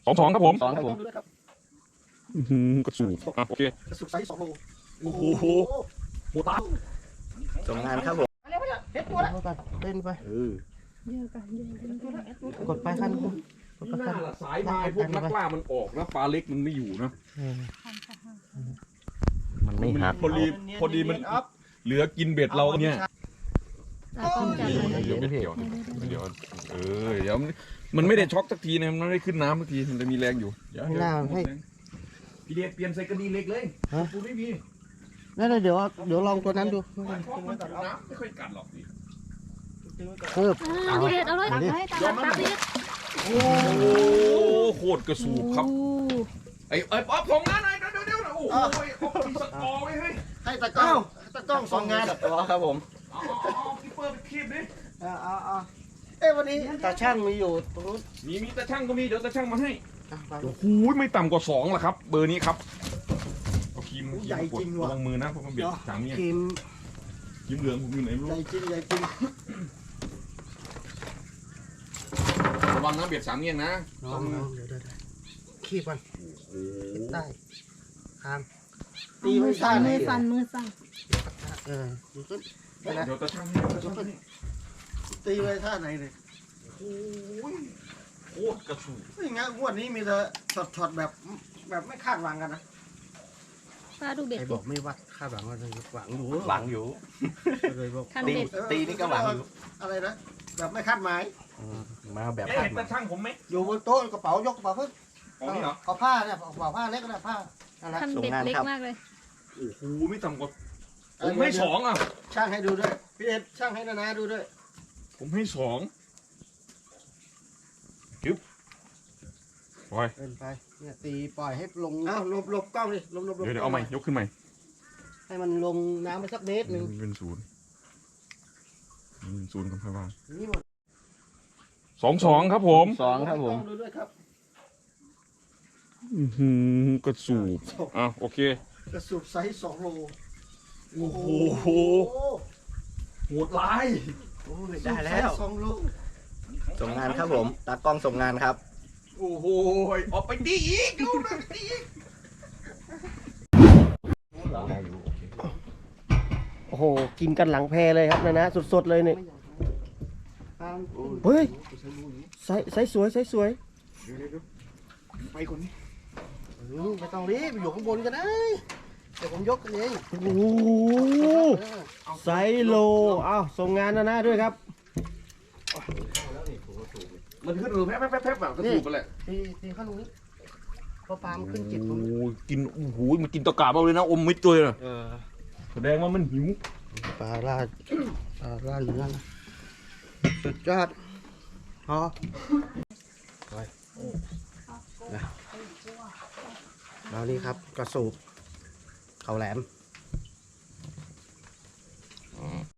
22ครับผม 2ครับผมกระสูบอ่ะโอเคกระสุนไซส์2 โลโอ้โหโหตาส่งงานครับผมเฮ็ดตัวละเล่นไปกดไปขั้นกดไปน่าขั้นละสายพายพวกนักล่ามันออกนะปลาเล็กมันไม่อยู่นะมันไม่หักพอดีมันเหลือกินเบ็ดเราเนี่ย เดี๋ยวเบ็ดเกี่ยวเดี๋ยวเดี๋ยวมันไม่ได้ช็อกสักทีนะมันไม่ได้ขึ้นน้ำสักทีมันจะมีแรงอยู่เดี๋ยวให้หน้าให้พี่เดชเปลี่ยนใส่กระดีเล็กเลยปูไม่มีนั่นเดี๋ยวลองตัวนั้นดูช็อกมันกัดน้ำไม่ค่อยกัดหรอกพี่เพิ่มพี่เด็ดเอาเลยตักให้ตักพี่เด็ดโอ้โคตรกระสูบครับไอ้ป๊อปส่งงานหน่อยเดี๋ยวโอ้โหมีสกอร์ไว้เฮ้ยให้ตะกล้อง2 งานตัวครับผมเอาพี่เปิดคลิปดิวันนี้ตาช่างมีอยู่ตรงนู้นมีตาช่างก็มีเดี๋ยวตาช่างมาให้ไปโอ้โหไม่ต่ำกว่า2ละครับ เบอร์นี้ครับเอาครีมกดระวังมือนะเพราะมันเบียดสามเนี่ยครีมครีมเหลืองผมอยู่ไหนไม่รู้ใหญ่จริงใหญ่จริงระวังนะเบียดสามเนี่ยนะลองเดี๋ยวขี้มันได้ทางตีไม่ซ่าไหนมือสั่นมือสั่นดูขึ้นเดี๋ยวตาช่างให้ตาช่างให้ตีไว้ท่าไหนเลยโอ้ยโคตรกระสูบไม่งั้นงวดนี้มีแต่ช็อตแบบไม่คาดหวังกันนะป้าดูเบ็ดไอ้บอกไม่วัดคาดหวังว่าจะหวังอยู่หวังอยู่เลยบอกคันตีเบ็ดตีนี่ก็หวังอยู่อะไรนะแบบไม่คาดหมายมาแบบเอ๊ะคาดเห็นหวัตาง ช่างผมไหมอยู่บนโต๊ะกระเป๋ายกกระเป๋าขึ้นของนี่เหรอเอาผ้าเนี่ยเอาผ้าเล็กก็ได้ผ้านั่นแหละคันเบ็ดเล็กมากเลยโอ้โหไม่ต่ำกว่าผมให้2อ่ะช่างให้ดูด้วยพี่เอ็ดช่างให้นานาดูด้วยผมให้2จิ๊บปล่อยเล่นไปเนี่ยตีปล่อยให้ลงอ้าวหลบกล้องดิหลบเดี๋ยวเอาใหม่ยกขึ้นใหม่ให้มันลงน้ำไปสักเมตรหนึ่งเป็นศูนย์กันค่อยว่านี่หมด 22ครับผม 2ครับผมดูด้วยครับกระสูบอ่ะโอเคกระสุบไซส์2 โลโอ้โหโหดร้ายได้แล้ว 2 โลส่งงานครับผมตากล้องส่งงานครับโอ้โหออกไปดีอีกดูนะดีอีกโอ้โหกินกันหลังแพเลยครับนะสดๆเลยเนี่ยเฮ้ยไซส์สวยไซส์สวยไปคนนี้ไม่ต้องรีบอยู่ข้างบนกันนะเดี๋ยวผมยกเองโอ้โหไซโลอ้าวส่งงานนะด้วยครับมันขึ้นแป๊บแบบกระสูบไปแหละตีข้างนู้นพอปลามันขึ้นจิตโอ้กินโอ้โหมันกินตะกาบเอาเลยนะอมมิดเลยนะแสดงว่ามันหิวปลาล่าเหลืองสุดยอดพอแล้วนี่ครับกระสูบเขาแหลม